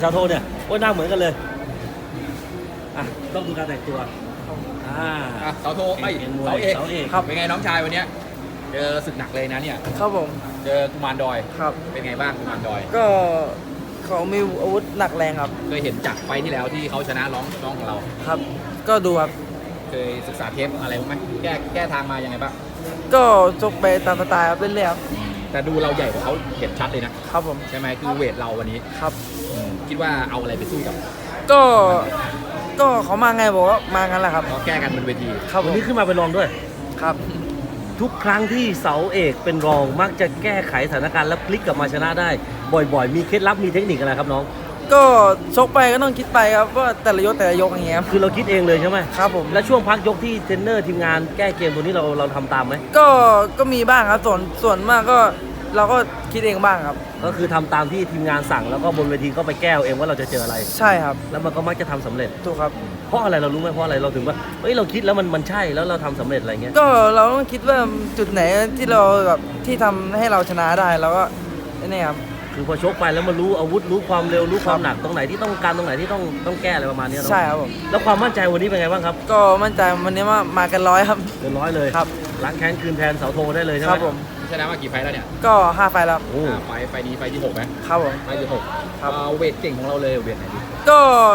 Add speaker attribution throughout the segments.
Speaker 1: ชาวโทเนี่ยโอ้ยหน้าเหมือนกันเลยอ่ะต้องดูการแต่งตัว
Speaker 2: เสาโทเอ้ยเสาเอกครับเป็นไงน้องชายวันเนี้ยเจอศึกหนักเลยนะเนี่ย
Speaker 3: ครับผม
Speaker 2: เจอกุมารดอย
Speaker 3: ครับ
Speaker 2: เป็นไงบ้างกุมารดอย
Speaker 3: ก็เขามีอาวุธหนักแรงครับ
Speaker 2: เคยเห็นจากไฟที่แล้วที่เขาชนะน้องของเรา
Speaker 3: ครับก็ดูครับ
Speaker 2: เคยศึกษาเทปอะไรบ้างไหมแก้ทางมายังไงบ้าง
Speaker 3: ก็ชกไปตามสไตล์ครับเรื่อยๆครับ
Speaker 2: แต่ดูเราใหญ่กว่าเขาเห็นชัดเลยนะครับ
Speaker 3: ผม
Speaker 2: ใช่ไหมคือเวทเราวันนี้
Speaker 3: ครับ
Speaker 2: คิดว่าเอาอะไรไปสู้กับ
Speaker 3: ก็เขามาไงบอกว่ามางั้นแหละครับ
Speaker 2: ก็แก้กันบนเวที
Speaker 1: ครับวันนี้ขึ้นมาเป็นรองด้วย
Speaker 3: ครับ
Speaker 1: ทุกครั้งที่เสาเอกเป็นรองมักจะแก้ไขสถานการณ์แล้วพลิกกลับมาชนะได้บ่อยๆมีเคล็ดลับมีเทคนิคอะไรครับน้อง
Speaker 3: ก็ชกไปก็ต้องคิดไปครับว่าแต่ละยกอย่างเงี้ย
Speaker 1: คือเราคิดเองเลยใช่ไหม
Speaker 3: ครับผม
Speaker 1: แล้วช่วงพักยกที่เทรนเนอร์ทีมงานแก้เกมตัวนี้เราทำตามไหม
Speaker 3: ก็มีบ้างครับส่วนมากก็เราก็คิดเองบ้างครับ
Speaker 1: ก็คือทำตามที่ทีมงานสั่งแล้วก็บนเวทีก็ไปแก้เองว่าเราจะเจออะไร
Speaker 3: ใช่ครับ
Speaker 1: แล้วมันก็มักจะทำสำเร็จ
Speaker 3: ถูกครับ
Speaker 1: เพราะอะไรเรารู้ไหมเพราะอะไรเราถึงว่าเฮ้ยเราคิดแล้วมันใช่แล้วเราทำสำเร็จอะไรเงี้ย
Speaker 3: ก็เราต้องคิดว่าจุดไหนที่เราแบบที่ทำให้เราชนะได้แล้วก็นี่ครับ
Speaker 1: คือพอชกไปแล้วมันรู้อาวุธรู้ความเร็วรู้ความหนักตรงไหนที่ต้องการตรงไหนที่ต้องแก้อะไรประมาณนี้
Speaker 3: ใช่ครับผม
Speaker 1: แล้วความมั่นใจวันนี้เป็นไงบ้างครับ
Speaker 3: ก็มั่นใจวันนี้ว่ามากัน100ครับ
Speaker 1: เกิน100เลย
Speaker 3: ครับ
Speaker 1: ล้างแค้นคืนแทนเสาโทได้เลยใช่ไหม
Speaker 3: ครับผม
Speaker 2: ชนะมากี่ไฟแล้วเนี่ย
Speaker 3: ก็5ไฟแล้ว
Speaker 2: ไฟนี้ไฟที่6ไหม
Speaker 3: ครับผม
Speaker 2: ไฟที่6ครับเวทเก่งของเราเลยเวทไหนดี
Speaker 3: ก็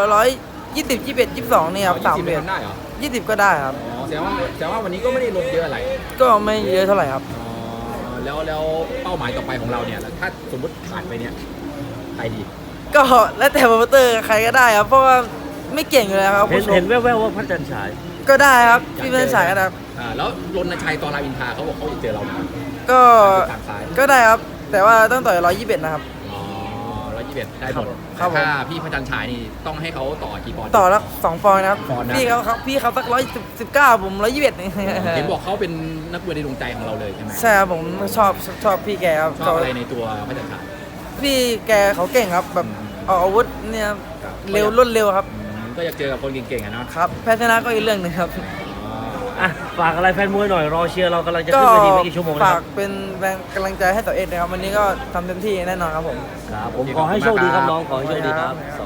Speaker 3: 120 21 22นี่ครับ3เวท
Speaker 2: ได้เหรอ
Speaker 3: 20ก็ได้ครับ
Speaker 2: อ๋อแสดงว่าวันนี้ก็ไม่ได้ลงเยอะอะไร
Speaker 3: ก็ไม่เยอะเท่าไหร่ครับ
Speaker 2: แล้วเป้าหมายต่อไปของเราเนี่ยถ้าสมมติผ่านไปเนี่ยใครดี
Speaker 3: ก็แล้วแต่โปรโมเตอร์ใครก็ได้ครับเพราะว่าไม่เก่งอยู่แล้วครับ
Speaker 1: เห็นแว่วๆว่าพระจันทร์ฉาย
Speaker 3: ก็ได้ครับพี่พระจันทร์ฉายก็ได้
Speaker 2: แล้วรณชัยตอราอินทราเขาบอกเขาจะเจอเรา
Speaker 3: ก็ได้ครับแต่ว่าต้องต่อย121นะครับ
Speaker 2: อ๋อ121ได้หมดถ้าพี่พระจันทร์ฉายนี่ต้องให้เขาต่อกี่ปอนด์
Speaker 3: ต่อแล้ว2ปอนด์นะครับพี่เขาสัก119ผม121นี่
Speaker 2: เห็นบอกเขาเป็นนักมวยในดวงใจของเราเลยใช่ไหม
Speaker 3: ใช่ครับผมชอบพี่แกครับ
Speaker 2: ชอบอะไรในตัวพระจันทร์ฉาย
Speaker 3: พี่แกเขาเก่งครับแบบออกอาวุธเนี่ยเร็วรวดเร็วครับ
Speaker 2: ก็อยากเจอกับคนเก่งๆอ่ะเนาะ
Speaker 3: ครับแพ้ชนะก็อีกเรื่องนึงครับ
Speaker 1: ฝากอะไรแฟนมวยหน่อยรอเชียร์เรากำลังจะขึ้นเวทีไม่กี่ชั่วโมง
Speaker 3: ฝากเป็นแรงกำลังใจให้ต่อเอ็ดนะครับวันนี้ก็ทำเต็มที่แน่นอนครับผม
Speaker 1: ครับผมขอให้โชคดีครับน้องขอให้โชคดีครับ